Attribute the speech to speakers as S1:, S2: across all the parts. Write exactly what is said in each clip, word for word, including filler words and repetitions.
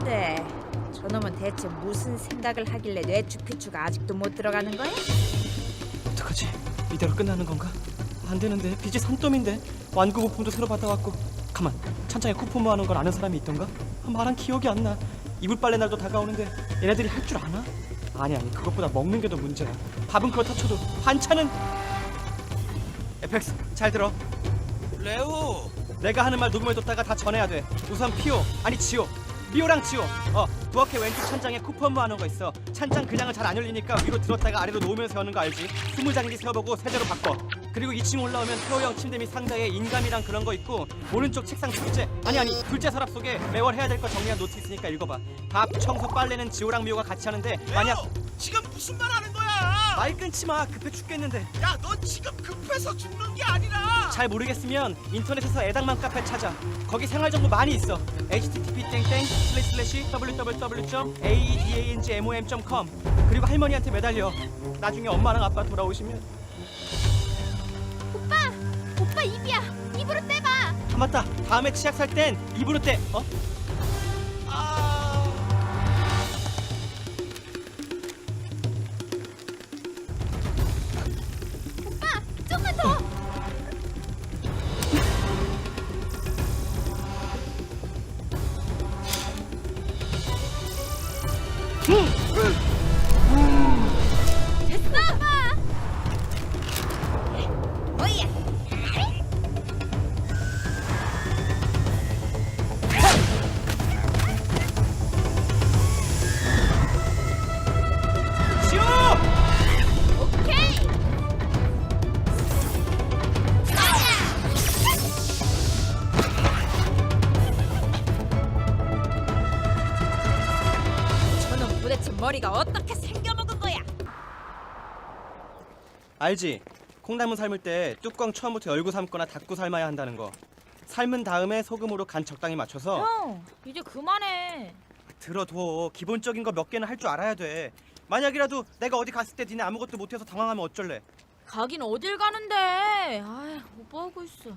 S1: 근데 저놈은 대체 무슨 생각을 하길래 뇌추피추가 아직도 못 들어가는 거야?
S2: 어떡하지? 이대로 끝나는 건가? 안 되는데 빚이 산더미인데 완구 부품도 새로 받아왔고. 가만, 찬장에 쿠폰 모아놓은 걸 아는 사람이 있던가? 아, 말한 기억이 안 나. 이불 빨래 날도 다가오는데 얘네들이 할 줄 아나? 아니 아니 그것보다 먹는 게 더 문제야. 밥은 그렇다 쳐도 반찬은. 에펙스 잘 들어.
S3: 레오,
S2: 내가 하는 말 녹음해뒀다가 다 전해야 돼. 우선 피오, 아니 지오, 미오랑 지오. 어, 부엌에 왼쪽 찬장에 쿠폰 모아놓은 거 있어. 찬장 그냥은 잘 안 열리니까 위로 들었다가 아래로 놓으면서 여는 거 알지? 스무 장인지 세어보고 세대로 바꿔. 그리고 이 층 올라오면 태호형 침대 및 상자에 인감이랑 그런 거 있고, 오른쪽 책상 둘째, 아니 아니 둘째 서랍 속에 매월 해야 될 거 정리한 노트 있으니까 읽어봐. 밥, 청소, 빨래는 지오랑 미오가 같이 하는데 만약.
S3: 레오, 지금 무슨 말 하는 거야?
S2: 말 끊지 마, 급해 죽겠는데.
S3: 야, 너 지금 급해서 죽는 게 아니라.
S2: 잘 모르겠으면 인터넷에서 애당맘 카페 찾아. 거기 생활 정보 많이 있어. 에이치티티피 땡땡 슬래시 슬래시 더블유더블유더블유 점 에이디에이엔지엠오엠 점 컴. 그리고 할머니한테 매달려. 나중에 엄마랑 아빠 돌아오시면.
S4: 오빠! 오빠 입이야! 입으로 떼봐!
S2: 아 맞다, 다음에 치약 살 땐 입으로 떼. 어?
S3: 아,
S4: 오빠! 좀만 더! 됐어! 오빠!
S1: 뭐야?
S2: 지호!
S4: 오케이!
S1: 저놈 도대체 머리가 어떻게 생겨먹은 거야?
S2: 알지? 콩나물 삶을 때 뚜껑 처음부터 열고 삶거나 닫고 삶아야 한다는 거. 삶은 다음에 소금으로 간 적당히 맞춰서.
S1: 형, 이제 그만해.
S2: 들어둬. 기본적인 거 몇 개는 할 줄 알아야 돼. 만약이라도 내가 어디 갔을 때 니네 아무것도 못해서 당황하면 어쩔래?
S1: 가긴 어딜 가는데? 아, 오빠 하고 있어.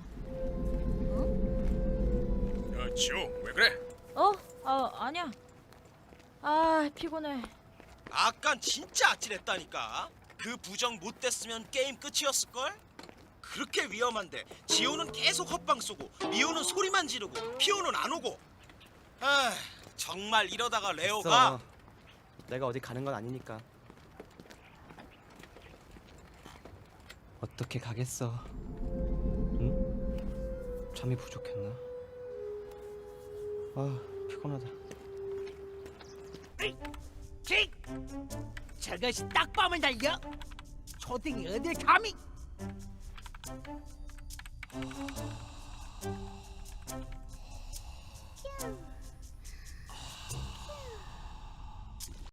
S3: 야, 지호, 왜 그래?
S1: 어? 아, 아니야. 아, 피곤해.
S3: 아깐 진짜 아찔했다니까. 그 부정 못 됐으면 게임 끝이었을걸? 그렇게 위험한데 지호는 계속 헛방 쏘고 미호는 소리만 지르고 피오는 안 오고. 아, 정말 이러다가 레오가.
S2: 됐어. 내가 어디 가는 건 아니니까. 어떻게 가겠어? 응? 잠이 부족했나? 아, 피곤하다.
S5: 킥! 저것이 딱밤을 날려? 초딩이 어딜 감히?